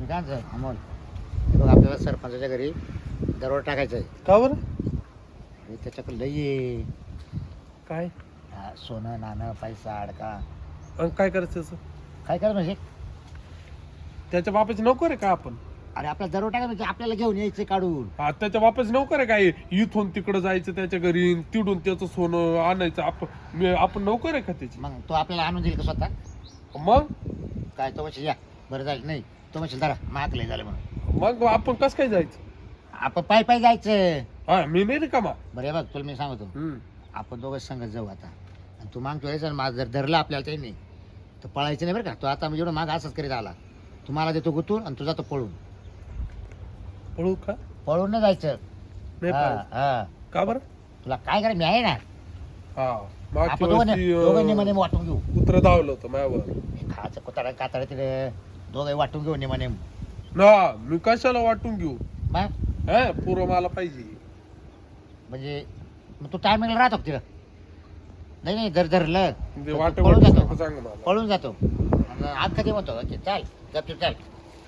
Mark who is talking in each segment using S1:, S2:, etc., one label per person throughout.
S1: मी काय म्हणतो अमोल, हे बघ आपल्याला सरपंचाच्या घरी दरोडा टाकायचा आहे.
S2: का बरं?
S1: आणि त्याच्याकडे लई आहे.
S2: काय
S1: सोनं नाणं पैसा अडका.
S2: आणि काय करायचं त्याचं?
S1: काय कर म्हणजे
S2: त्याच्या बापाची नोकर आहे का आपण?
S1: अरे आपला दरोडा टाकायचा म्हणजे आपल्याला घेऊन यायचं काढून.
S2: हा, त्याच्या बापाची नोकर आहे काय? इथून तिकडं जायचं त्याच्या घरी, तिडून त्याचं सोनं आणायचं. आपण नोकर आहे का त्याची?
S1: मग तो आपल्याला आणून देईल का स्वतः?
S2: मग
S1: काय तो म्हणशील या बरं जाईल नाही तो म्हणशील जरा महाग लय झालं म्हणून.
S2: मग आपण कसं काय जायचं?
S1: आपण पायी पायी जायचं.
S2: हा, मी नाही रे का
S1: बरं हे बघ तुला मी सांगतो, आपण दोघं संगत जाऊ आता. आणि तू मागतो यायचं माझं जर धरलं आपल्याला त्यांनी तर पळायचं नाही बरं का. तो आता म्हणजे एवढं माग असंच करीत आला. तुम्हाला देतो गुतून आणि तुझा तो पळून.
S2: पळू का?
S1: पळून नाही जायचं.
S2: नाही
S1: हा,
S2: पळू.
S1: हा.
S2: का बरं?
S1: तुला काय करायचं मी आहे ना.
S2: हा,
S1: आपण दोघं निमाने वाटून घेऊ.
S2: कुत्र धावलं होतं माझ्यावर.
S1: खायचं कुत्रा कातडा तिथे दोघं वाटून घेऊ निमाने.
S2: ना मी कशाला वाटून घेऊ?
S1: मग
S2: हा, पुरं मला पाहिजे.
S1: म्हणजे मग तू टायमिंगला राहतो का तिला? नाही नाही जर धरलं
S2: म्हणजे
S1: तर
S2: वाट
S1: तू पळून जातो.
S2: सांग मला.
S1: पळून जातो. आज कधी म्हणतो की चाल गपचूप चाल.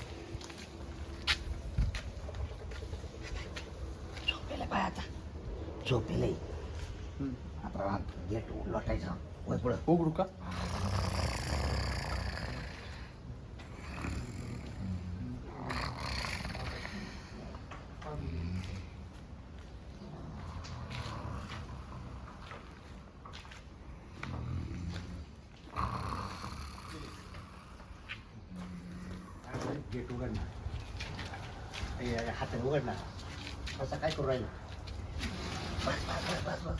S1: झोपेला पाय आता झोपेला आपण गेट लोटायचं वय पुढं.
S2: उघडू का?
S1: गेट उघडणार हात उघडणार असं काय करू राहिलं. बस बस बस बस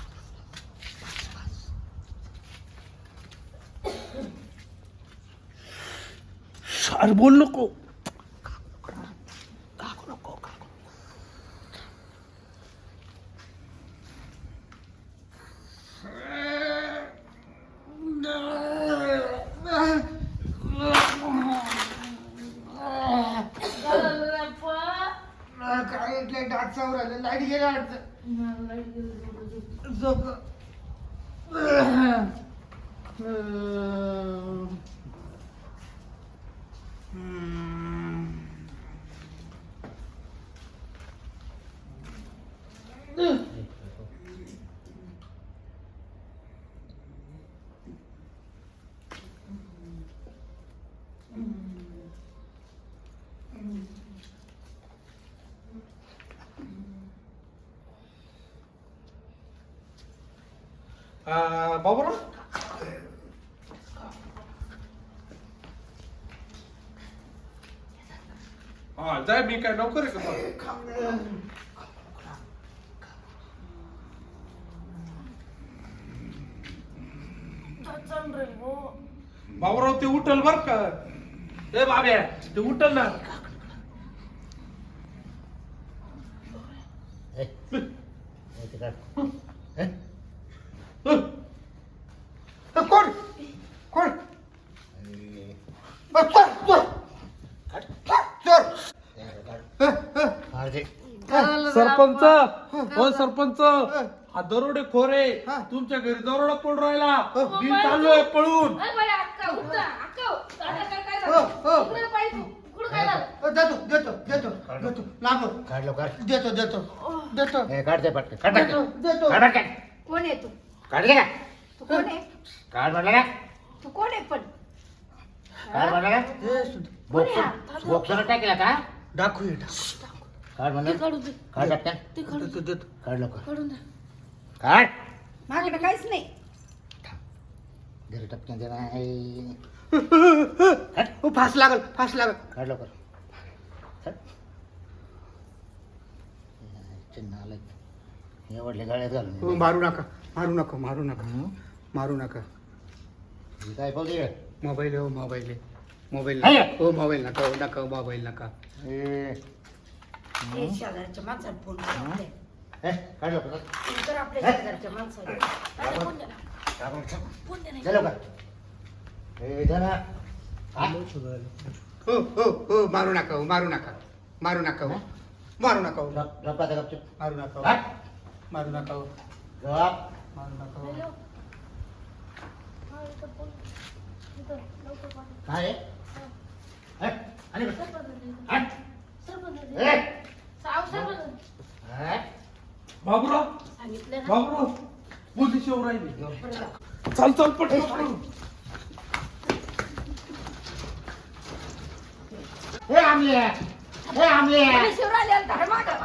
S1: बस.
S2: अरे बोल नको.
S1: काकू नको काकू. काय डाट चावून राहिलं. लाईट गेला झोप.
S2: बाबूराव, हा जाय. मी काय नोकर आहे का? बाबूराव ते उठल बर का. ए बाब्या ते उठल ना.
S1: कोण कोण
S2: सरपंच, हो सरपंच, हा दरोडे खोरे तुमच्या घरी दरोडा पडून राहिला. मी चाललोय पळून.
S1: देतो देतो देतो देतो लागो काढ लवकर. देतो देतो देतो. काढते पटकन काढ
S3: देतो
S1: देतो. काढ काय
S3: कोण आहे तू?
S1: काढ का
S3: तू कोण आहे?
S1: काढ म्हटलं का
S3: तू कोण आहे पण?
S1: काढ म्हटलं का बॉक्स बॉक्सर टाकेल आता.
S2: दाखवू.
S1: काढ
S3: ते
S1: म्हणलं.
S3: काढू दे.
S1: काढ पटकन.
S3: ते काढू दे.
S1: काढ लवकर.
S3: काढून दे.
S1: काढ
S3: माझ्याकडे काहीच नाही.
S1: घरी टपक्यान दे नाही.
S2: फास लागल, फास लागल.
S1: काढ लवकर. नालायक हे वडले गाड्यात घालून.
S4: मारू नका, मारू नका, मारू नका, मारू नका.
S1: काय पाहू
S4: मोबाईल हो, मोबाईल आहे. मोबाईल
S1: आहे?
S4: हो, मोबाईल नका, हो नका, मोबाईल नका.
S3: हे शेजारच्या माणसाला फोन कर.
S1: काढ लवकर.
S3: फोन कर आपल्या शेजारच्या माणसाला. अरे फोन दे ना. फोन दे ना.
S1: चल लवकर.
S4: हो हो हो, मारू नका, हो मारू नका, मारू नका, हो मारू नका, हो मारू नका, हो मारू नका, हो मारू नका, हो.
S3: हॅलो. हा, इथं फोन. इथं लवकर पाठव.
S1: काय
S3: हा.
S1: आणि
S3: लवकर पाठव.
S1: ए!
S3: सावसार
S1: हा?
S2: बाबूराव
S3: सांगितलं ना
S2: बाबूराव पोलीस येऊ राहिली
S3: बरं जा.
S2: चल चल पटकन
S1: ए आमले ए आमले
S3: पोलीस येऊन राहिले, धर्मागं.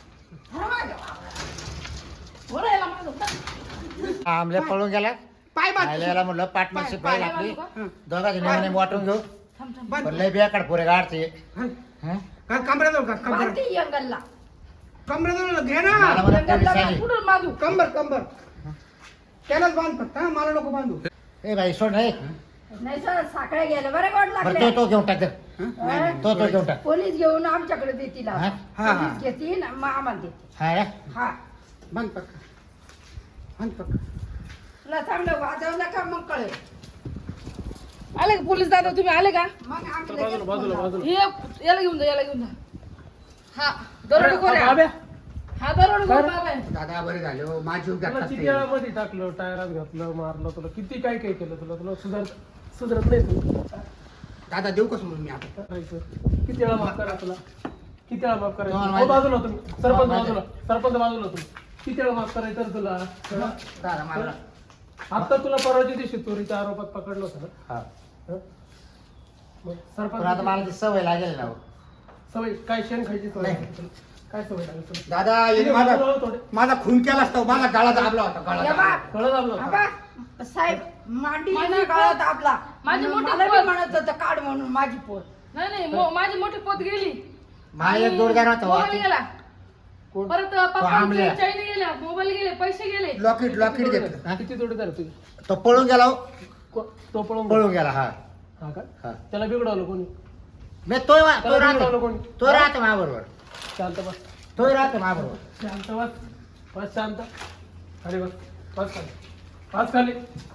S3: बोलायला मागं होता.
S1: आमले पळून गेला
S4: पाय बांध
S1: याला म्हणलं पार्टनरशिप
S3: पाय
S1: पाहिजे आपली
S3: बांधू
S1: दोघा जणी वाटून घेऊ
S3: थांब, थांब.
S4: बांध.
S1: पण लय बेकार पोरे गाडते
S4: कमराजवळ का कंबर
S3: बांधते यंगलला.
S4: कमराजवळ घे ना
S1: मला म्हणत
S3: यंगलला
S1: पोलीस आली.
S3: कुठून बांधू?
S4: कंबर कंबर त्यालाच बांध फक्त हा, मला नको बांधू
S1: ए बाई सोड नाही
S3: नाही सर, साखळ्या गेल्या बरं गोड
S1: बरं
S3: लागले.
S1: तो घेऊन टाक तो घेऊन टाक
S3: पोलीस घेऊन आमच्याकडे देतील आता.
S1: हा?
S4: हा, हा.
S3: पोलीस घेतील मग आम्हाला देतील.
S1: हा रे?
S3: हा
S4: बांध पक्का बांध पक्का
S3: तुला चांगलं वाजवलं का मग कळेल.
S5: आले का पोलीस दादा तुम्ही आले का
S3: मग आम्ही
S2: बाजूला
S3: लगेच
S2: बाजूला
S3: फोन
S2: बाजूला
S5: हे याला घेऊन जा याला घेऊन जा हा दरोडेखोर आहे
S2: बाब्या,
S5: हा दरोडेखोर बाबा आहे
S4: दादा बरे झाले हो माझी जीव
S2: तुला
S4: घातला
S2: किती
S4: ते.
S2: वेळामध्ये टाकलं टायरात घातलं मारलं तुला किती काय काय केलं तुला तुला सुधारत नाही तू
S4: दादा देऊ का सोडून मी आता
S2: करायचं किती वेळा माफ करा तुला किती वेळा माफ करायचं
S1: तुम्हाला
S2: हो,
S1: माहिती-
S2: बाजूला तुम्ही सरपंच
S1: तुम्हाला माहिती-
S2: बाजूला तुम्ही किती वेळा माफ करायचं रे तुला
S1: दादा मला
S2: आता तुला परवाच्या दिवशी चोरीच्या आरोपात पकडलं होतं ना
S1: हा
S2: हं? मग
S1: पण आता
S2: सरपंच
S1: मला ती सवय लागेल ना हो.
S2: सवय काय शेण खायची सवय काय सवय लागेल तुला
S4: दादा याने
S2: किती
S4: माझा
S2: बाजूला थोडे
S4: माझा खून केला असता माझा गाळा दाबला होता गाळा
S3: या
S4: दाबला.
S3: बा.
S2: कळलं दाबलं होतं?
S3: आबा, साहेब मांडी
S5: माझी
S3: काळात आपला
S5: माझी मोठी
S3: मला बी
S5: पोत.
S3: म्हणत होतं काढ म्हणून माझी पोत.
S5: नाही नाही माझी मोठी पोत गेली
S1: माझा एक जोडदार होता हो.
S5: मोबाईल गेला
S2: कोण?
S5: परत
S1: आमल्या.
S5: पप्पा चैन गेल्या मोबाईल गेले पैसे गेले
S4: लॉकेट लॉकेट घेतलं
S1: हा?
S2: किती जोडीदार आहे तुझे
S1: तो पळून गेला हो.
S2: तो पळून
S1: पळून गेला हा
S2: हा का
S1: हा
S2: त्याला बिघडवलं कोणी
S1: मी तो
S2: त्याला बिघडवलं
S1: राहतो
S2: कोणी
S1: तो राहतो माझ्याबरोबर
S2: शांत बस
S1: तो राहतो माझ्याबरोबर
S2: शांत बस बस शांत खाली बस बस खाली बस खाली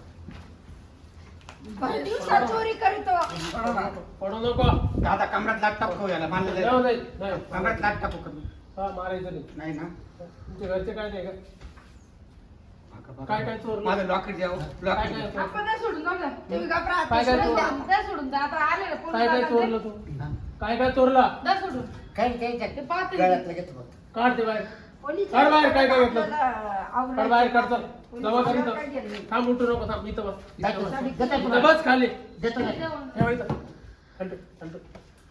S3: भर दिवसात चोरी करीतो.
S2: पडू नको
S4: दादा कमरात लाट टाकू याला मानलं
S2: जाऊ
S4: जाईल.
S2: दे नाही
S4: कमरात लाट टाकू कमी
S2: हा मारायचं नाही
S4: नाही ना
S2: तुमच्या घरचे काय नाही का काय काय चोरलं?
S4: माझं लॉकेट द्यावं
S2: काय
S4: लॉकेट
S2: काय
S4: द्या.
S2: चोरलं?
S5: आपण नाही सोडून जाऊ द्या
S3: तुम्ही घाबरा,
S2: काय काय
S3: सोडून द्या.
S2: चोरलं?
S5: द्या सोडून द्या आता आले ना पोलीस
S2: काय काय
S5: दादा
S2: चोरलं
S5: ते.
S2: तू
S1: हा.
S2: काय काय चोरला
S5: द्या सोडून
S1: काही काही
S5: ते पाहते
S1: गळ्यातलं घेतो फक्त.
S2: काढ ते बाहेर
S3: पोलीस
S2: काढ बाहेर, काय काय घेतलं?
S3: आपल्याला आवरायचं.
S2: काढ बाहेर काढ चल
S3: पोलीस
S2: जमा कर
S3: काय
S2: इथं
S3: केलं?
S2: थांब उठू नको थांब इथं बस इथं
S1: देतो
S2: बस.
S1: ना. देतो
S2: इथं
S1: ना.
S2: बस खाली
S1: देतो ना.
S2: ठेव इथं हंटू हंटू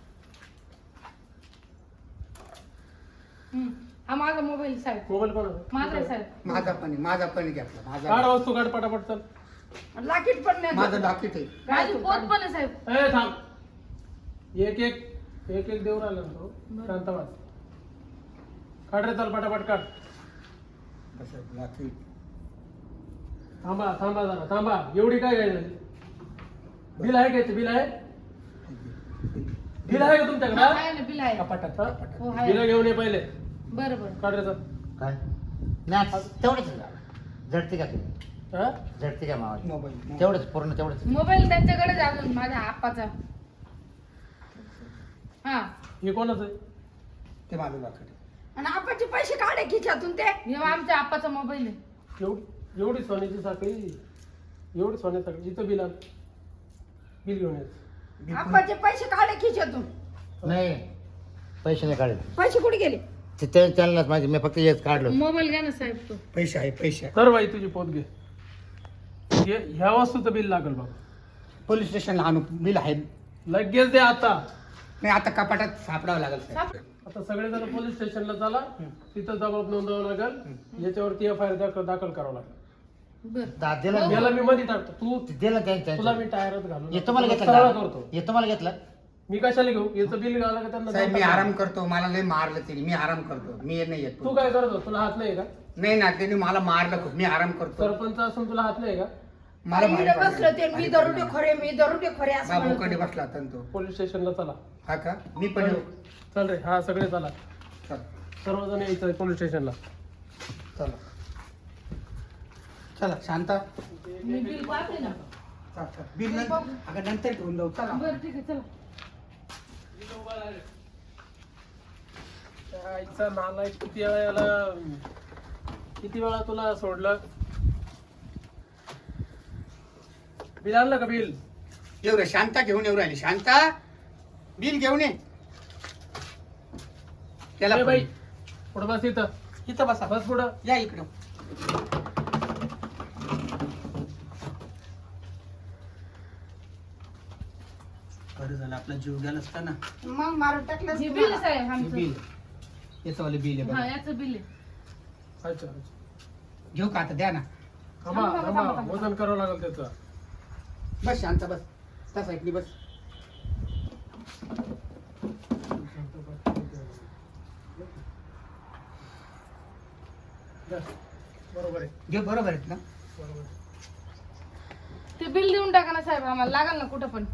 S5: हा माझा मोबाईल साहेब
S2: मोबाईल कोण आहे?
S5: माझा आहे साहेब
S4: माझा पण घेतला
S2: काढ
S4: माझा
S2: वस्तू काढ पटापट चल
S3: लाकीट पण नाही
S4: माझं लॉकेट आहे
S5: माझी पोत पण आहे साहेब
S2: ए थांब एक एक देऊ राहिला ना तो शांत बस काढ रे चल पटापट काढ
S4: कसं लॉकेट
S2: थांबा थांबा जरा थांबा एवढी काय काय झाली बिल आहे का याचं? बिल आहे बिल आहे का तुमच्याकडे
S5: आहे ना बिल आहे
S4: कपाटात
S2: हा?
S4: कपाटात
S5: हो आहे
S2: बिल घेऊन ये पहिले
S5: बरं बरं
S2: काढ रे चल
S1: काय नाही तेवढंच आहे. झडते का तुम्ही
S2: हा?
S1: झडते का मावा
S4: मोबाईल
S1: तेवढंच पूर्ण तेवढंच
S5: मोबाईल त्यांच्याकडेच आहे अजून माझ्या आप्पाचा हा
S2: हे कोणाचं आहे
S4: ते माझं लॉकेट आहे.
S3: आणि आपाचे पैसे काढे खिशातून ते
S5: हे आमच्या आप्पाचा मोबाईल आहे
S2: एवढी सोन्याची साखळी एवढी सोन्याची साखळी इथं बिल आलं बिल घेऊन यायचं
S3: आपाचे पैसे काढे खिशातून.
S1: नाही पैसे नाही काढले
S3: पैसे कुठे गेले?
S1: त्यांनाच माझे मी फक्त हेच काढलो
S5: मोबाईल घ्या ना साहेब तो
S4: पैसे आहे पैसे आहे.
S2: तर बाई तुझी पोत घे ह्या वस्तूचं बिल लागल बाबा
S4: पोलीस स्टेशनला आणू बिल आहे
S2: लगेच दे आता
S4: नाही आता कपाटात सापडावं लागेल साहेब.
S2: आता सगळेजण पोलीस स्टेशनला चला तिथं जबाब नोंदवावं लागेल याच्यावरती एफ.आय.आर. दाखल करावं लागेल
S5: बर
S1: दिलं
S2: याला मी मध्ये टाकतो तू
S1: दिलं
S2: तुला
S1: त्यांच्या
S2: मी टायरच घालून
S1: हे तुम्हाला
S2: सरळ
S1: घेतलं
S2: करतो
S1: हे तुम्हाला घेतलं
S2: मी कशाला घेऊ याचं बिल घाला का त्यांना
S4: साहेब मी
S2: दाखल
S4: आराम
S2: करा.
S4: करतो मला लय मारलं त्यांनी मी आराम करतो मी नाही येत
S2: तू काय करतो तुला हात नाही का
S4: नाही ना त्यांनी मला मारलं खूप मी आराम करतो
S2: सरपंच असून तुला हात नाही का
S4: मला
S3: इकडे
S4: भारी
S3: बसलं ते मी दरोडे खोरे मी दरोडे खोरे असं
S4: बाबू
S3: म्हणत
S4: कडे
S3: होते.
S4: बसला होता ना तो
S2: पोलीस स्टेशनला चला
S4: हा का मी पण येऊ
S2: चल रे हा सगळे चला
S4: चल
S2: सर्वजण यायचं पोलीस स्टेशनला
S4: चला चला शांता
S5: मी बिल पाहते ना
S4: चल, चल. बिल नंतर अगं नंतर घेऊन जाऊ चला
S5: बरं ठीक आहे चला
S2: आईचा नालायक किती वेळा याला किती वेळा तुला सोडलं बिल आणलं का बिल
S4: येऊ रे शांता घेऊन येऊ राहिली शांता बिल घेऊन ये त्याला
S2: ए बाई
S4: फोन.
S2: पुढं बस इथं
S4: इथं बसा
S2: बस पुढं
S4: या इकडं. बरं झालं आपला जीव गेला असता ना.
S3: मग मारून टाकलं
S5: हे बिल आहे साहेब आमचं.
S4: बिल याचं वाले बिल आहे
S5: हा
S4: बघा.
S5: याचं बिल आहे.
S2: अच्छा
S4: घेऊ का आता द्या ना.
S2: थांबा थांबा वजन करावं लागेल त्याचं.
S4: बस शांत बस. तसा ऐकली बस.
S2: बरोबर आहे
S4: घे बरोबर आहेत ना.
S2: बरोबर आहे.
S5: ते बिल देऊन टाका ना साहेब आम्हाला लागल ना कुठं पण.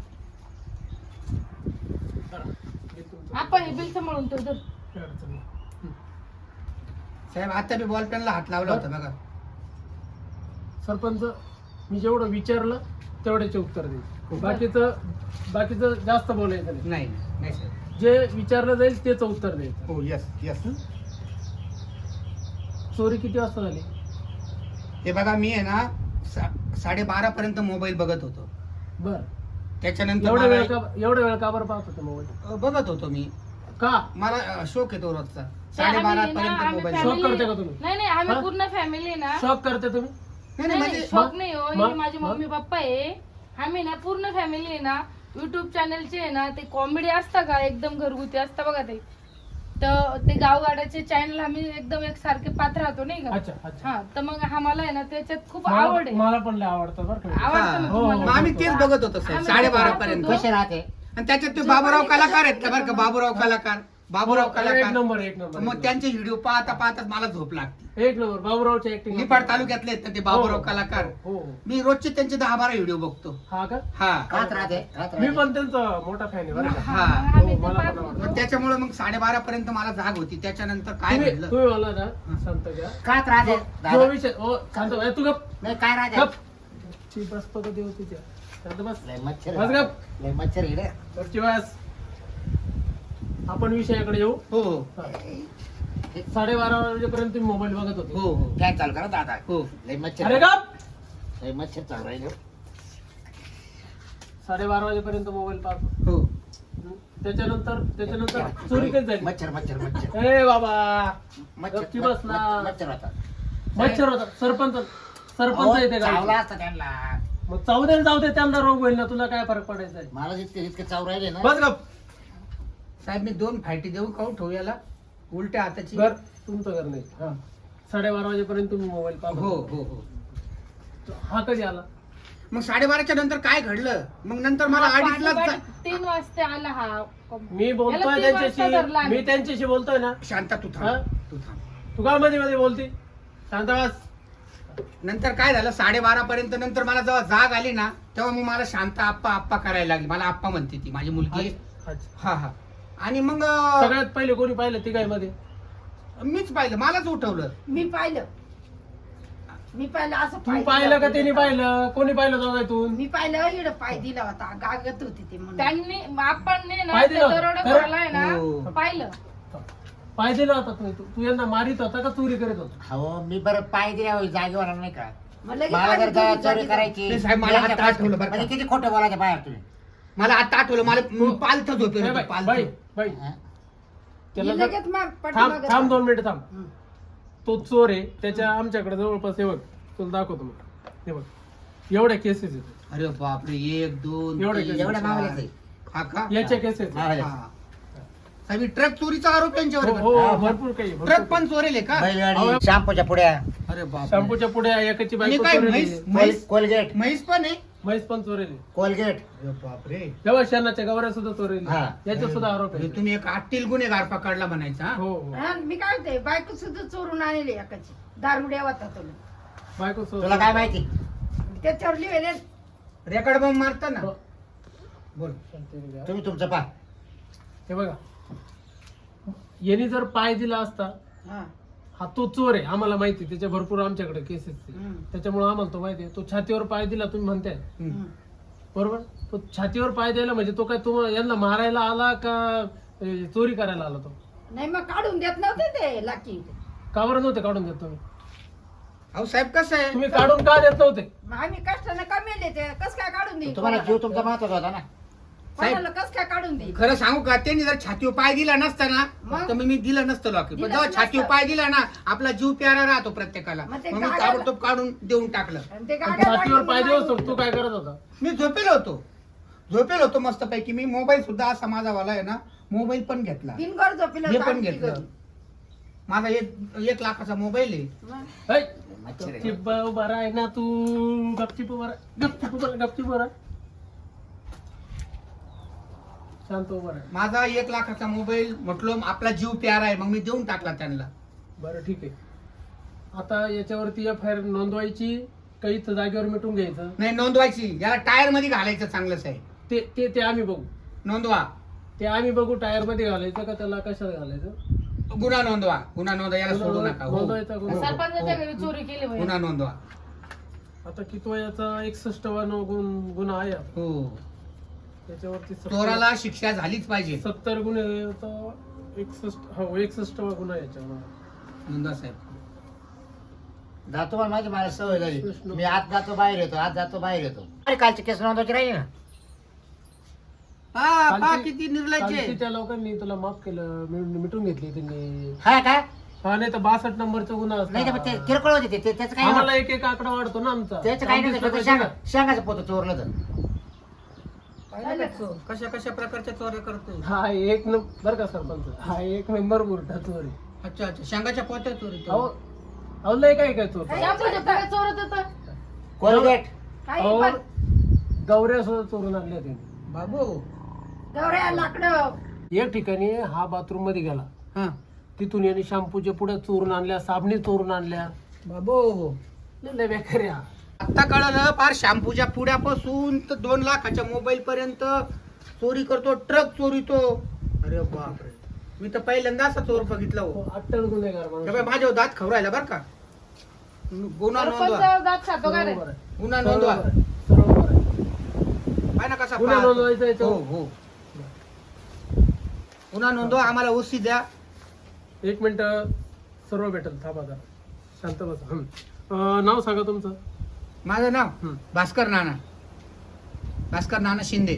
S2: करा. हे तुमचं.
S5: आपण हे बिल सांभाळून ठेवतो.
S2: काही अडचण नाही.
S4: साहेब आता मी बॉल पेनला हात लावला होता बघा.
S2: सरपंच मी जेवढं विचारलं तेवढ्याचे उत्तर दे. बाकीचं जास्त बोलायचं नाही.
S4: नाही नाही साहेब.
S2: जे विचारलं जाईल तेच उत्तर द्यायचं.
S4: हो यस यस.
S2: चोरी किती वाजता झाली?
S4: हे बघा मी आहे ना 12:30 पर्यंत मोबाईल बघत होतो.
S2: बर
S4: त्याच्यानंतर
S2: एवढा वेळ
S4: मला
S2: एवढा वेळ का बरं पाहत होता मोबाईल?
S4: बघत होतो मी.
S2: का
S4: मला शोक येतो रोजचा.
S5: आम्ही
S4: 12:30
S5: ना,
S4: पर्यंत
S5: आम्ही
S4: मोबाईल.
S5: family-
S2: शॉक करते का तुम्ही?
S5: नाही आम्ही
S2: हा?
S5: पूर्ण फॅमिली ना.
S2: शॉक करते तुम्ही?
S4: नाही
S5: नाही
S4: नाही
S5: नाही,
S4: म्हणजे
S5: शॉक नाही हो.
S2: मग?
S5: हे माझे
S2: मग?
S5: मम्मी पप्पा आहे. आम्ही ना पूर्ण फॅमिली आहे ना युट्यूब चॅनलचे आहे ना ते कॉमेडी असता का एकदम घरगुती असता बघा ते. तर ते गावगाड्याचे चॅनल आम्ही एकदम एकसारखे पात्र राहतो नाही का.
S2: अच्छा अच्छा.
S5: हा तर मग आम्हाला आहे ना त्याच्यात खूप आवड आहे.
S2: मला पण लय आवडतं बरं का.
S5: आवडतं ना
S2: हो,
S5: तुम्हाला?
S4: मग आम्ही तेच बघत होतो साहेब
S5: आम्ही
S4: 12:30
S5: बघत
S4: पर्यंत.
S5: होतो.
S1: कसे राहते
S4: आणि त्याच्यात ते बाबूराव कलाकार आहेत का बरं का. बाबूराव कलाकार बाबूराव
S2: एक
S4: कलाकार.
S2: नंबर एक नंबर
S4: मग त्यांचे व्हिडिओ पाहता पाहताच मला झोप लागते.
S2: एक नंबर बाबूरावची ऍक्टिंग.
S4: निफाड तालुक्यातले आहेत ना ते बाबूराव कलाकार.
S2: हो
S4: मी रोजचे त्यांचे 10-12 व्हिडिओ बघतो.
S2: हा का?
S4: हा
S1: राहत राहते
S2: मी पण त्यांचा मोठा फॅन आहे बरं का.
S4: हा.
S5: मग आम्ही
S2: हो,
S5: ते
S2: मला
S5: पाहत
S2: पण
S5: होतो.
S2: आवडतं.
S4: मग त्याच्यामुळे मग 12:30 पर्यंत मला जाग होती. त्याच्यानंतर काय
S2: तुम्ही
S4: घडलं.
S2: तुम्ही मला ना सांगता का
S1: कात राहते
S2: जो विषय हो सांगतो ए, तू गप
S1: नाही काय राहते
S2: गप ची बस पकड देऊ तिच्या शांत बस
S1: लय मच्छर
S2: बस गप
S1: लय मच्छर इकडे
S2: वरची बस. आपण विषयाकडे येऊ.
S4: हो हो
S2: 12:30 वाजेपर्यंत तुम्ही मोबाईल बघत होते.
S4: हो हो
S1: फॅन चालू करा दादा
S4: हो.
S1: लय मच्छर
S2: अरे गप
S1: लय मच्छर चालू राहिले
S2: 12:30 वाजेपर्यंत मोबाईल पाहतो.
S4: हो
S2: त्याच्यानंतर चोरी कधी झाली?
S1: मच्छर मच्छर मच्छर
S2: ए बाबा गपची
S1: मच्छर
S2: बस ना.
S1: मच्छर होता
S2: मच्छर होता. सरपंच येते
S1: चावला
S2: का?
S1: असता त्यांना
S2: मग जाऊ दे त्यांना रोग होईल ना. तुला काय फरक पडायचा आहे?
S1: मला जितके चाव राहिले ना
S2: बस गप.
S4: साहेब मी 2 फायटी देऊ का ठेवू याला उलट्या हाताची.
S2: घर तुमचं घर नाही. हा 12:30 वाजेपर्यंत तुम्ही मोबाईल
S4: हो
S2: पाहतो.
S4: हो हो.
S2: हा कधी आला?
S4: मग 12:30च्या नंतर काय घडलं. मग नंतर मला
S5: हा,
S4: 2:30
S5: पाठी 3 वाजता आला हा.
S2: मी
S5: याला
S2: बोलतोय
S5: 3 वाजता धरला
S2: त्यांच्याशी.
S5: आम्ही.
S2: मी त्यांच्याशी बोलतोय ना.
S4: शांता तू
S2: हा?
S4: थांब तू थांब.
S2: तू का मध्ये मध्ये बोलती? शांत बस.
S4: नंतर काय झालं 12:30 पर्यंत नंतर मला जेव्हा जाग आली ना तेव्हा मी मला शांत आप्पा आप्पा करायला लागली. मला आप्पा म्हणते ती माझी मुलगी.
S2: अच्छा.
S4: हा हा. आणि मग
S2: सगळ्यात पहिले कोणी पाहिलं ती काय मध्ये?
S4: मीच पाहिलं. मलाच उठवलं.
S3: मी पाहिलं असं
S2: तू पाहिलं का त्यांनी पाहिलं? कोणी पाहिलं दोघातून?
S3: मी पाहिलं इकडं पाय दिला होता गागत होती ते म्हणून
S5: त्यांनी आपण ना
S2: पाय
S5: ते
S2: दिलं?
S5: दरोडा
S2: खरं?
S5: भरलाय ना
S4: हो.
S5: पाहिलं.
S2: पाय दिला होता तू यांना मारित होता का चोरी करत होता?
S1: हो मी बरं पाय दिल्या जागेवर नाही का
S3: मग लगेच
S1: मला जर
S3: पाणी
S1: चोरी
S3: दिली
S1: करायची
S4: नाही साहेब, मला आता आठवलं बरं का.
S1: म्हणजे किती खोटं बोलायचं बाहेर तुम्ही
S4: मला आता आठवलं. मला पालथ झोपेल
S2: ए
S4: होतं,
S2: बाई,
S4: पालथं.
S2: बाई, बाई.
S1: हा?
S2: त्याला
S3: मी
S2: जर-
S3: लगेच माग
S2: थांब
S3: पाठीमागं
S2: थांब
S3: जातो.
S2: 2 मिनिटं थांब.
S3: हं.
S2: तो चोर आहे. त्याच्या आमच्याकडे जवळपास हे बघ तुला दाखवतो मग. हे बघ एवढ्या केसेस आहेत.
S4: अरे बापरे 1 2
S2: एवढं
S4: 3
S1: एवढ्या मावल्याचं आहे.
S4: हा का.
S2: याच्या केसेस
S1: मावल्या.
S4: हा. साहेब ट्रक चोरीचा आरोप यांच्यावर आहे
S2: हो
S4: बरं.
S2: हो, भरपूर काही
S4: ट्रक
S2: भरपूर
S4: पण चोरेले का.
S1: बैलगाडी शॅम्पूच्या पुड्या
S4: अरे बाप.
S2: शॅम्पूच्या पुढे एकाची
S4: आणि
S2: बायको
S4: काय
S2: चोरेली.
S4: म्हैस
S1: कोलगेट
S4: म्हैस पण आहे.
S2: म्हैस पण चोरेली.
S1: कोलगेट
S4: अरे बापरे.
S2: जेव्हा शेणाच्या गवऱ्या सुद्धा चोरेली.
S1: हा.
S2: याच्यात सुद्धा आरोप आहे.
S4: म्हणजे तुम्ही एक आटील गुन्हेगार पकडला म्हणायचा. हा?
S2: हो हो
S3: हा, मी काय म्हणते बायको सुद्धा चोरून आणली एकाची दारुड्या होता तुला
S2: बायको
S1: तुला काय माहिती
S3: त्याच्यावर लिहिले
S4: रेकॉर्ड बॉम्ब मारता ना.
S2: हो.
S4: बोल.
S1: तुम्ही तुमचं पा
S2: हे बघा यांनी जर पाय दिला असता हा तो चोर आहे आम्हाला माहिती. त्याच्या भरपूर आमच्याकडे केसेस त्याच्यामुळे आम्हाला तो माहिती आहे. तो छातीवर पाय दिला तुम्ही म्हणताय बरोबर. तो छातीवर पाय द्यायला म्हणजे तो काय तुम्हाला यांना मारायला आला का चोरी करायला आला? तो
S3: नाही मग काढून देत नव्हते ते लाकी
S2: का बरं नव्हते काढून देत तुम्ही?
S4: अहो साहेब कसं आहे.
S2: तुम्ही काढून का देत नव्हते?
S3: मग आम्ही कष्टाने कमेले ते कस काय काढून देईल
S1: तुम्हाला जीव तुमचा महत्वाचा होता ना
S3: कोणाला कस काय काढून दे
S4: खरं सांगू का त्यांनी जर छातीवर पाय दिला नसता ना
S3: मग?
S4: तर मी दिलं नसतं लॉकेट पण
S3: दिलं
S4: जेव्हा
S3: नसतं.
S4: छातीवर पाय दिला ना आपला जीव प्यारा राहतो प्रत्येकाला
S3: मग ते
S4: मग मी
S3: गाड्या-
S4: ताबडतोब काढून देऊन टाकलं
S3: आणि ते गाड्या
S2: छातीवर
S3: वाढली
S2: पाय
S3: म्हणून
S2: देऊ तू काय करत होता?
S4: मी झोपेल होतो मस्तपैकी मी मोबाईल सुद्धा असा माझा वाला आहे ना मोबाईल पण घेतला
S3: दिनभर झोपेला
S4: हे पण
S3: चालती
S4: घेतलं
S3: घरी.
S4: माझा 1 लाखाचा मोबाईल आहे
S3: मग
S2: ऐ,
S1: मच्छर आहे.
S2: गपचिप बरा आहे ना तू गपचिप बरा शांत उभा राहा.
S4: माझा 1 लाखाचा मोबाईल म्हटलो आपला जीव प्यारा आहे मग मी देऊन टाकला त्यांना
S2: बरं ठीक आहे. आता याच्यावरती FIR नोंदवायची काही जागेवर मिटून घ्यायचं
S4: नाही नोंदवायची याला टायर मध्ये घालायचं चांगलंच आहे
S2: ते ते ते आम्ही बघू.
S4: नोंदवा
S2: ते आम्ही बघू टायर मध्ये घालायचं का त्याला कशात घालायचं.
S4: गुन्हा नोंदवा याला सोडू नका हो.
S2: नोंदवायचा गुन्हा.
S5: सरपंचाच्या घरी चोरी केली बाई.
S4: गुन्हा नोंदवा
S2: आता किती वयाचा 61 गुन्हा आहे आता.
S4: हो
S2: त्याच्यावरती
S4: चोराला शिक्षा झालीच पाहिजे
S2: 70 गुन्हे आता 61 गुन्हा आहे याच्यावर.
S4: नोंदवा साहेब
S1: जातो पण माझी मला सवय झाली
S2: कृष्ण.
S1: मी आज जातो बाहेर येतो अरे कालची केस नोंदवायची राहील ना
S4: पहा
S2: कालची-
S4: किती निर्लज्ज
S2: कालची
S4: आहे.
S2: त्या लोकांनी तुला माफ केलं मिटून घेतली त्यांनी.
S1: हा काय
S2: हा नाही तर 62 नंबरचा गुन्हा
S1: नाही तर ते
S2: असता.
S1: किरकोळ होते ते त्याचं काही
S2: आम्हाला
S1: नव्हतं.
S2: एक एक आकडा वाढतो ना आमचा.
S1: त्याचं काही नाही
S2: आमची
S1: फक्त
S2: स्वतःची
S1: शेंगाचं पोत चोरलं तर
S3: पाहिलं का?
S4: कशा कशा प्रकारच्या चोऱ्या करतोय
S2: हा एक नंबर बरं का सरपंच हा एक नंबर बुरटा चोरी.
S4: अच्छा शेंगाच्या पोत्या चोरी
S2: अहो अहो लय काय काय चोर.
S5: शॅम्पूच्या पुड्या चोरत होतं.
S1: कोलगेट
S3: काही
S2: अहो
S3: पण
S2: गौऱ्या सुद्धा चोरून आणल्या त्यांनी.
S4: बाबू
S3: गवऱ्या लाकडं
S2: एक ठिकाणी हा बाथरूम मध्ये गेला
S4: हा
S2: तिथून यांनी शॅम्पूच्या पुढ्या चोरून आणल्या साबणी चोरून आणल्या.
S4: बाबू
S2: लय बेकार आहे हा.
S4: आता कळलं फार शॅम्पूच्या पुड्यापासून तर 2 लाखाच्या मोबाईल पर्यंत चोरी करतो ट्रक चोरीतो अरे बापरे मी तर पहिल्यांदा असा चोर बघितला हो
S2: अट्टल गुन्हेगार माणूस.
S4: हे बाई, माझ्यावर दात खवरायला बर का गुन्हा नोंदवा
S5: सरपंच दात खातो का रे?
S2: बरोबर आहे.
S4: गुन्हा नोंदवा
S2: बरोबर आहे. बरोबर आहे.
S4: पाय ना कसा
S2: गुन्हा
S4: पाहतो.
S2: नोंदवायचा याच्यावर.
S4: हो हो गुन्हा नोंदवा आम्हाला ओसी द्या
S2: 1 मिनिट सर्व भेटेल थांबा जरा शांत बसा. नाव सांगा तुमचं.
S4: माझं नाव
S2: हं.
S4: भास्कर नाना शिंदे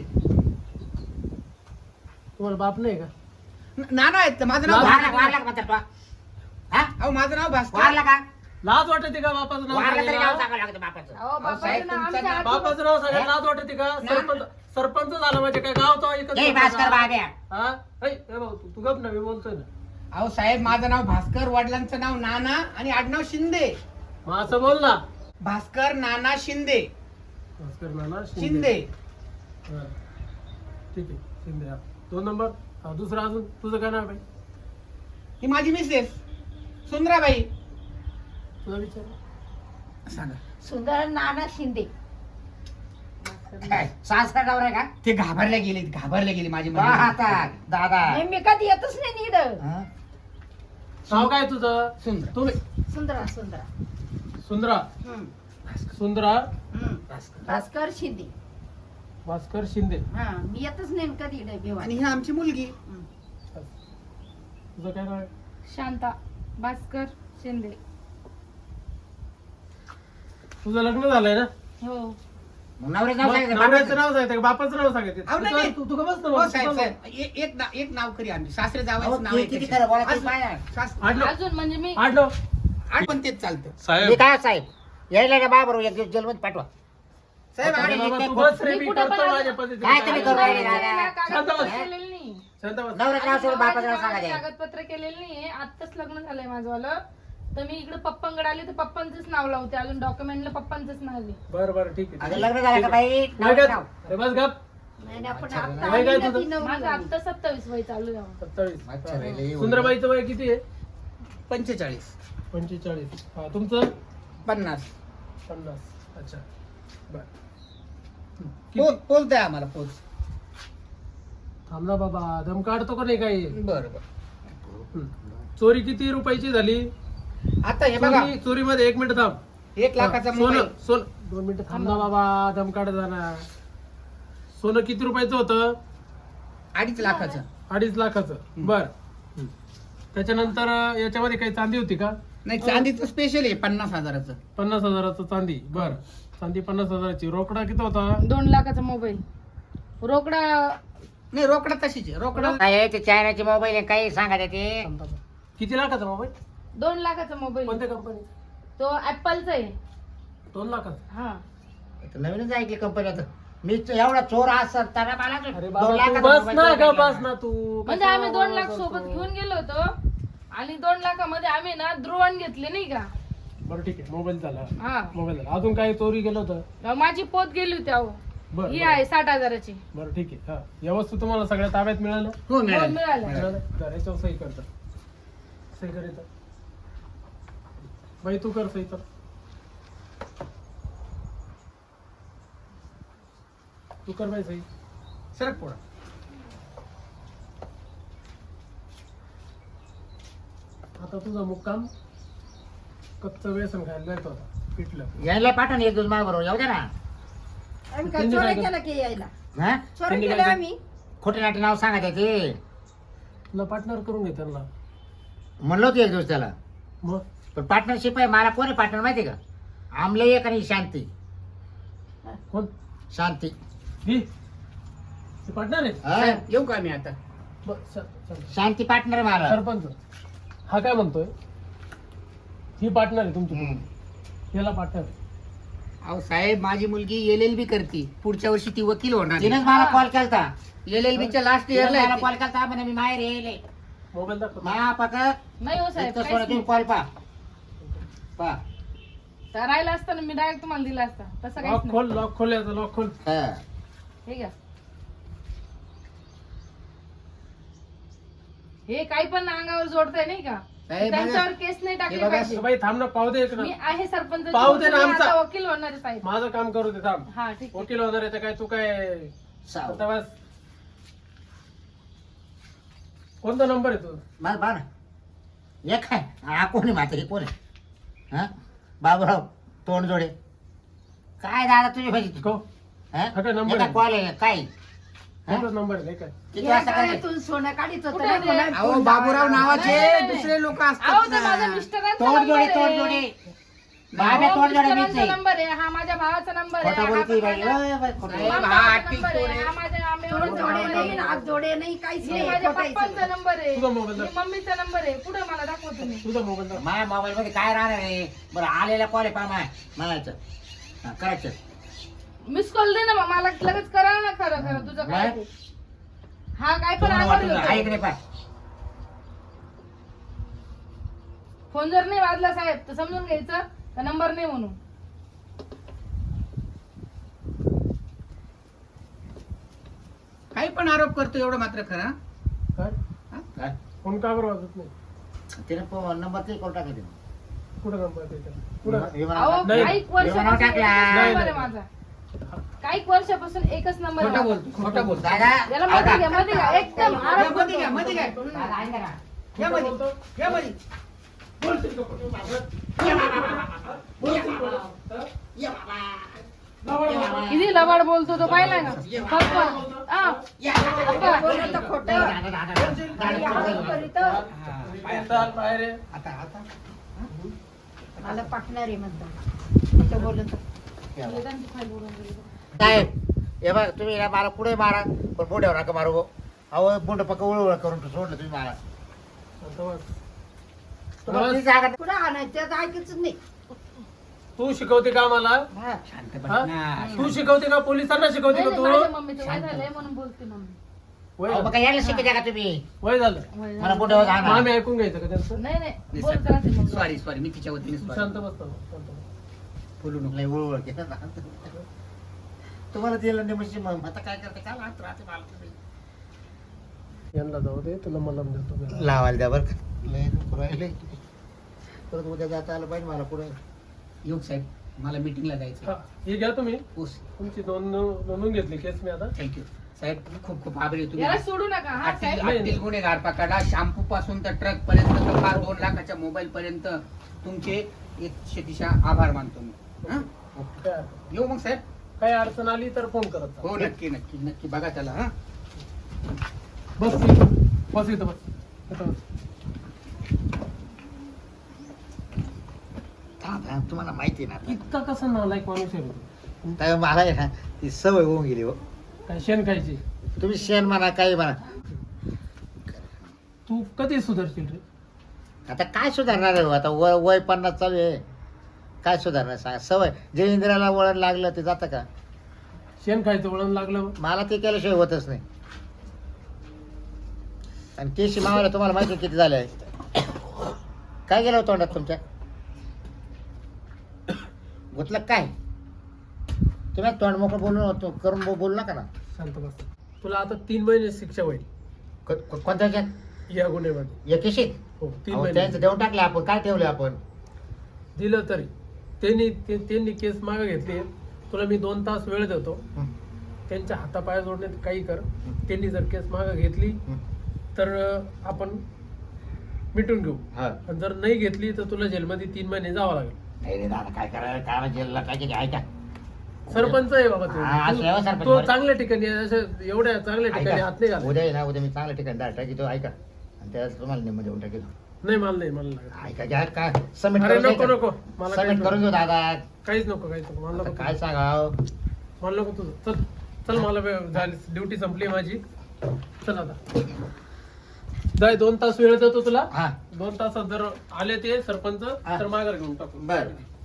S2: तुम्हाला बाप नाही का.
S4: नाना आहेत माझं नाव
S1: वारला वारला का म्हणतात तो? हा
S4: अहो माझं नाव भास्कर
S1: वारला का
S2: लाज वाटते का बापाचं नाव
S1: वारला तरी नाव
S2: सांगायला?
S1: सांगावं लागतं बापाचं
S5: अहो, बापाचं
S4: साहेब,
S5: नाव
S4: तुमचं
S5: आमच्या
S4: नाव-
S5: आजोबा-
S2: बापाचं नाव सांगायला लाज वाटते का. सरपंच झाला म्हणजे काय गाव तो एकच
S1: जय भास्कर बाब्या
S2: हा ऐ, ए भाऊ तू गप ना मी बोलतोय ना.
S4: अहो साहेब माझं नाव भास्कर वडिलांचं नाव नाना आणि आडनाव शिंदे
S2: मग असं बोल ना.
S4: भास्कर नाना शिंदे
S2: भास्कर नाना
S4: शिंदे
S2: हा. ठीक आहे शिंदे हा 2 नंबर. हा दुसरा अजून तुझं काय नाव आहे
S4: ही माझी मिसेस सुंदराबाई
S2: तुला विचार.
S4: सांगा
S3: सुंदर नाना शिंदे
S1: काय सासरा नवरा का
S4: ते घाबरल्या गेले माझी
S1: वा
S4: मुलगी.
S1: आता दादा
S3: नाही, मी कधी येतच नाही नीड
S1: हा?
S2: नाव काय तुझं.
S4: सुंदर
S2: तुम्ही
S3: सुंदरा सुंदरा
S2: सुंदरा
S3: हम्म,
S2: सुंदरा
S3: हम्म. भास्कर शिंदे
S2: भास्कर शिंदे.
S3: हा मी येतच नाही कधी इकडे भिवानी.
S4: आणि ही आमची मुलगी
S3: हम्म.
S2: तुझं काय नाव आहे.
S5: शांता भास्कर शिंदे.
S2: तुझं लग्न झालंय ना.
S5: हो
S1: मग नवऱ्याचं नाव
S2: मग
S1: सांगायचं
S2: नवऱ्याचं
S1: बापाचं.
S2: नाव सांगायचं का बापाचं नाव सांगायचं.
S4: अहो, नाही, नाही.
S2: तू का बस ना
S4: हो
S2: बस,
S4: साहेब
S2: तू
S4: साहेब एक नाव करी आम्ही सासरे
S1: अहो,
S4: जावायचं नाव
S1: ते
S4: आहे
S1: किती
S4: त्याच्यात.
S1: खरं बोला ते
S4: असं-
S1: पाहा.
S4: सास-
S2: आडलो
S5: अजून म्हणजे मी
S2: आडलो.
S4: पण तेच चालतं
S1: मी
S2: साहेब
S1: काय साहेब यायला का बाबरोबर एक दिवस जेलमध्ये पाठवा
S4: साहेब
S1: अरे
S4: आम्ही-
S2: बाबा, तू बस रे,
S5: मी
S2: मी
S5: कुठं
S2: करतो
S5: पण
S2: माझ्या
S5: आज-
S2: पद्धतीने.
S1: काय तुम्ही करू राहिले?
S2: शांत बस.
S5: केलेलं नाही.
S2: शांत बस.
S1: नवऱ्याचं नाव सोडून बापाचं नाव सांगायचं
S5: कागदपत्र केलेलं नाहीये. आत्ताच लग्न झालंय माझंवालं. तर मी इकडे पप्पांकडे आले तर पप्पांचंच नाव लावते. अजून डॉक्युमेंटला पप्पांचंच नाव आहे.
S2: बरं बरं ठीक आहे.
S1: अगं लग्न झालं का बाई
S2: नाही
S1: नवऱ्याचं
S2: का?
S1: नाव
S2: अरे बस गप.
S3: नाही नाही, आपण
S1: अच्छा,
S3: आता
S2: वय काय
S3: आम्ही
S2: तुझं?
S3: नदी नवरी
S5: माझं
S3: झाली.
S5: आता 27 वय चालू आहे.
S2: 27.
S1: अच्छा, रे, लई
S2: सुंदरबाईचं वय किती आहे.
S4: 45
S2: 45. हा तुमचं
S4: 50
S2: 50. अच्छा बर.
S4: पोच द्या आम्हाला पोच
S2: थांब ना बाबा दम काढतो का नाही काही.
S4: बरं बरं
S2: चोरी किती रुपयाची झाली.
S4: आता हे बघा
S2: चोरीमध्ये 1 मिनिट थांब.
S4: 1 लाखाचा मोबाईल
S2: सोनं 2 मिनिट थांब ना बाबा दम काढ जाणार. सोनं किती रुपयाचं होतं.
S4: 2.5 लाखाचं
S2: 2.5 लाखाचं. बर. त्याच्यानंतर याच्यामध्ये काही चांदी होती का.
S4: नाही चांदीचं स्पेशल आहे 50,000चं
S2: 50,000चं चांदी. बर चांदी 50,000ची. रोकडा किती होता.
S5: 2 लाखाचा मोबाईल. रोकडा
S4: नाही रोकडा तशीच आहे रोकडा.
S1: काय ते चायनाचे मोबाईल काही सांगा ते
S2: थांब, थांब. किती लाखाचा मोबाईल?
S5: 2 लाखाचा मोबाईल
S2: कोणत्या कंपनी?
S5: तो ऍपलचा आहे.
S2: 2 लाखाचा?
S5: हा
S1: नवीनच ऐकली कंपनी आता मी तो एवढा चोर असताना मला
S2: अरे
S1: 2
S2: बाबा तू
S1: लाखाचा
S2: बस
S1: मोबाईल
S2: ना
S1: देऊन
S2: का
S1: टाकला.
S2: बस ना तू.
S5: म्हणजे
S2: कशाला
S5: आम्ही 2 लाख
S2: करतो?
S5: सोबत घेऊन गेलो होतो आणि 2 लाखामध्ये आम्ही ना द्रोण घेतले नाही का.
S2: बरं ठीक आहे, मोबाईल झाला.
S5: हा
S2: मोबाईल झाला. अजून काही चोरी गेलं होतं?
S5: माझी पोत गेली होती अहो.
S2: बरं
S5: ही
S2: बरं.
S5: आहे 60,000ची.
S2: बरं ठीक आहे. हा या वस्तू तुम्हाला सगळ्या ताब्यात मिळाल्या?
S4: हो
S5: हो,
S4: मिळालं.
S5: मिळालं.
S2: मिळाल्या? बरं, याच्यावर सही करता. सही कर इथं. बाई तू कर सही कर. तू कर बाई सही.
S4: सरक पोडा.
S2: आता तुझा मुक्काम कच्चं व्यसन खायला जायचं होता पिटलं.
S1: यायला पाठवून एक दिवस बरोबर येऊ द्या ना.
S3: आम्ही काय
S2: त्यांनी
S3: चोऱ्या
S2: काय
S3: केला की यायला
S1: हा
S3: चोऱ्या
S2: त्यांनी
S3: केल्या
S2: काय
S3: आम्ही.
S1: खोटे नाटे नाव सांगा ते
S2: तुला पार्टनर करून घे त्यांना.
S1: म्हणलं होतं एक दिवस त्याला
S2: मग
S1: पण पार्टनरशिप आहे. मला कोणी पार्टनर माहिती का आमले एक आणि शांती.
S2: कोण?
S1: शांती
S2: ही पार्टनर आहे?
S1: हा?
S4: साहेब, येऊ का मी आता?
S2: बरं, चल, चल.
S1: शांती पार्टनर आहे मला.
S2: सरपंच हा काय म्हणतोय? ही पार्टनर आहे तुमची.
S1: हम्म.
S2: याला पार्टनर.
S4: अहो साहेब माझी मुलगी LLB करते पुढच्या वर्षी ती वकील होणार
S1: तिनेच मला कॉल केलता.
S4: LLBच्या लास्ट
S1: तिनेच
S4: इयरला
S1: मला कॉल केलता म्हणे मी बाहेर येईल
S2: मोबाईल दाखव.
S1: मा पाक
S5: नाही हो साहेब
S1: इतकं
S5: काहीच
S1: सोडा तुम्ही
S5: नाही.
S1: कॉल पा
S5: तर राहिला असता ना मी डायरेक्ट तुम्हाला दिला असता. तसं काहीच
S2: लॉक
S5: नाही.
S2: खोल, लॉक खोल, याचा लॉक खोल.
S1: हा.
S5: हे घ्या. हे काही पण अंगावर जोडताय नाही का.
S4: साहेब,
S5: त्यांच्यावर केस नाही टाकली
S4: हे बघा,
S5: पाहिजे.
S2: बाई थांब ना, पाहू दे एक ना.
S5: मी आहे सरपंच.
S2: पाहू दे ना आमचा.
S5: वकील होणार आहे साहेब.
S2: माझं काम करू दे, थांब.
S5: हा ठीक आहे.
S2: वकील होणार आहे तर काय तू काय
S1: साव.
S2: आता बस. कोणता नंबर आहे तू?
S1: मला बा ना एक आहे हा कोण आहे माता हे कोण आहे हा बाबूराव तोंडजोडे काय दादा तुझी भाजी
S2: को हा काय number आहे?
S1: कॉल आहे काय हा?
S2: कोणता नंबर आहे काय?
S1: किती
S3: या
S1: वाजता करायचं?
S3: काळातून सोनं काढीत होतं
S5: कुठे
S3: ना,
S5: ते?
S3: कोणाला
S4: अहो
S3: फोन
S4: बाबूराव
S3: लावायला.
S4: नावाचे
S5: नाही.
S4: दुसरे लोक
S5: अहो
S4: असतात
S5: ते माझ्या
S4: ना.
S5: मिस्टरांचा
S1: तोंडजोडे
S5: नंबर आहे.
S1: तोंडजोडे बाबा
S5: अहो,
S1: तोंडजोडे मीच
S5: मिस्टरांचा
S1: आहे
S5: नंबर आहे. हा माझ्या भावाचा नंबर आहे.
S1: खोटा
S5: हा
S1: बोलती बाई
S5: माझ्या-
S1: ओय बाई, खोटं
S4: साहेब,
S1: बोलती.
S4: हा
S5: माझा
S4: आर्टिस्ट
S5: नंबर आहे.
S4: कोण आहे?
S5: हा माझ्या
S3: सोनं
S5: आम्ही
S3: जोडे नाही नाक जोडे नाही काहीच
S5: हे
S3: नाही
S5: माझ्या
S3: खोटायचं.
S5: पप्पांचा नंबर आहे.
S2: तुझा मोबाईल
S5: हे मम्मीचा नंबर आहे. पुढे मला दाखवा तुम्ही.
S2: तुझा मोबाईल दाखव.
S1: माझ्या मोबाईल मध्ये काय राहणार आहे बरं आलेला कॉल आहे पा माय म्हणायचं हा, करायचं
S5: मिस कॉल दे ना मग. मला लगेच करा ना खरं खरं तुझं काय
S1: नाही.
S5: ते. हा काय पण
S1: तुम्हाला
S5: आवाज
S1: वाटून आहे की
S5: येतो.
S1: नाही पा
S5: फोन जर नाही वाजला साहेब तर समजून घ्यायचं का नंबर नाही म्हणून.
S4: काही पण आरोप करतो एवढं मात्र खरं.
S2: काय
S1: काय?
S2: फोन का बरं वाजत नाही?
S1: तिने नंबर ते करून टाकायचे
S2: कुठं नंबर आहे त्याचा? कुठं?
S5: अहो
S2: नाही.
S5: काही वर्षापासून
S1: टाकला.
S5: एकच
S2: नाही,
S5: नंबर आहे
S2: नाही.
S5: माझा. काही वर्षापासून एकच नंबर आहे
S4: खोटं
S5: माझा.
S4: बोलतो खोटं बोलतो.
S1: दादा
S5: याला मध्ये घ्या मध्ये घ्या एकदम
S4: या
S5: आराम
S4: मध्ये घ्या
S5: करतो.
S4: मध्ये घ्या
S1: दादा, ऐका ना.
S4: या मध्ये
S2: बोलतो?
S4: या मध्ये
S2: बोलशील का खोटं?
S4: या बाबा.
S5: किती लबाड बोलतो तो पाहिलाय ना फक्त हा.
S3: बोललं तर खोटं.
S1: दादा, दादा, दादा.
S3: आणि आरोप करीत.
S4: हा, पाया.
S2: चाल बाहेर ये.
S4: आता आता
S3: मला पाठणार आहे म्हणतात खोटं बोलत.
S1: साहेब हे बघ तुम्ही ना मला पुढे मारा पण बोंड्यावर नका मारू गो. अहो बोंड पक्क उळवळ करून सोडलं तुम्ही मला
S2: आता बस.
S1: तुम्हाला ती जागा
S3: पुढे आणायचं त्याचं ऐकायचं नाही.
S2: तू शिकवते का मला?
S3: हा.
S4: शांत बस
S2: हा?
S4: ना.
S2: तू शिकवते का पोलिसांना शिकवते का तू?
S5: माझ्या मम्मीचं वय झालंय म्हणून बोलते मम्मी.
S2: वय
S1: अहो, मग
S2: झालं.
S1: काय यायला शिकायचं का तुम्ही
S2: वय झालं.
S5: वय
S1: मला
S5: झालं.
S1: बोंड्यावर
S2: मग
S1: जाणार
S2: आम्ही ऐकून घ्यायचं का त्यांचं?
S5: नाही नाही बोलत राहते मम्मी.
S4: सॉरी सॉरी मी तिच्या वतीने
S2: तू
S4: sorry.
S2: शांत बसतो. शांत बस.
S4: बोलू नको.
S1: लय उळवळ केलं ना. तुम्हाला दिलं नाही म्हणजे मग आता काय करते काय लागत राहते मला तुम्ही
S2: यांना जाऊ दे, तुला मलम देतो मी.
S1: लावायला द्या बरं का. लय दुखू राहिले. परत उद्या जाता आलं पाहिजे मला पुढे
S4: योग साहेब मला मीटिंगला जायचं.
S2: हा, हे घ्या तुम्ही.
S4: ओस
S2: तुमची नोंदून घेतली केस मी आता.
S4: थँक्यू साहेब खूप खूप आभारी आहे
S5: याला
S4: तुम्ही.
S5: सोडू नका हा साहेब.
S4: आतील गुन्हेगार पकडा. शॅम्पू पासून तर ट्रक पर्यंत तर फार 2 लाखाच्या मोबाईल पर्यंत तुमचे 100 आभार मानतो मी. हं?
S2: काय
S4: येऊ मग साहेब.
S2: काही अडचण आली तर फोन करत जा.
S4: हो नक्की नक्की नक्की बघा त्याला. हा
S2: बस इथं. बस इथं बस. इथं बस.
S1: तुम्हाला माहिती आहे ना
S2: इतका कसा नालायक माणूस आहे रे तू?
S1: तर मला आहे ना ती सवय होऊन गेली हो
S2: काय शेण खायची?
S1: तुम्ही शेण म्हणा काही म्हणा.
S2: तू कधी सुधारशील रे?
S1: आता काय सुधारणार आहे हो? आता वय 50 चालू आहे. काय सुधारणार सांगा? सवय जे इंद्रियाला वळण लागलं ते जातं का?
S2: शेण खायचं वळण लागलं.
S1: मला ते केल्याशिवाय होतच नाही. आणि केशी मावायला तुम्हाला माहिती किती झाले आहे? काय गेलं होतं तोंडात तुमच्या? गुतलं काय? तुम्ही तोंड मोकळं बोलून करून बोलू नका ना.
S2: शांत बस. तुला आता 3 महिने शिक्षा होईल
S1: कोणत्या ह्याच्यात?
S2: या गुन्ह्यामध्ये.
S1: या केशीत?
S2: हो 3
S1: अहो,
S2: महिने
S1: त्यांचं देऊन टाकले आपण. काय ठेवले आपण?
S2: दिलं तरी त्यांनी केस मागे घेतली. तुला मी 2 तास वेळ देतो. त्यांच्या हातापाया जोडण्यात काही कर. त्यांनी जर केस मागे घेतली तर आपण मिटून घेऊ.
S1: हा.
S2: आणि जर नाही घेतली तर तुला जेलमध्ये 3 महिने जावं लागेल.
S1: नाही रे दादा, काय करायला? काय जेलला काय ऐका.
S2: सरपंच आहे बाबा
S1: हा,
S2: तू.
S1: सेवा सरपंच
S2: तो
S1: बरं.
S2: चांगल्या ठिकाणी आहे, असं एवढ्या चांगल्या ठिकाणी हात नाही घाल.
S1: उद्या आहे ना, उद्या मी चांगल्या ठिकाणी डाळ टाकी तो ऐका. आणि त्याला तुम्हाला निम्म देऊन टाकेल.
S2: नाही मला लागत.
S1: ऐका घ्या काय सबमिट
S2: अरे
S1: करून
S2: नको
S1: द्यायचं.
S2: नको मला
S1: सबमिट करून देऊ दादा.
S2: काहीच नको मला
S1: आता
S2: नको
S1: काय सांगाव?
S2: मला नको तुझं. चल चल मला झाली ड्युटी संपली माझी. चल आता जाय. 2 तास वेळ देतो तुला.
S1: हा
S2: 2 तासात जर आले ते सरपंच तर माघार घेऊन टाकू.
S1: बरं.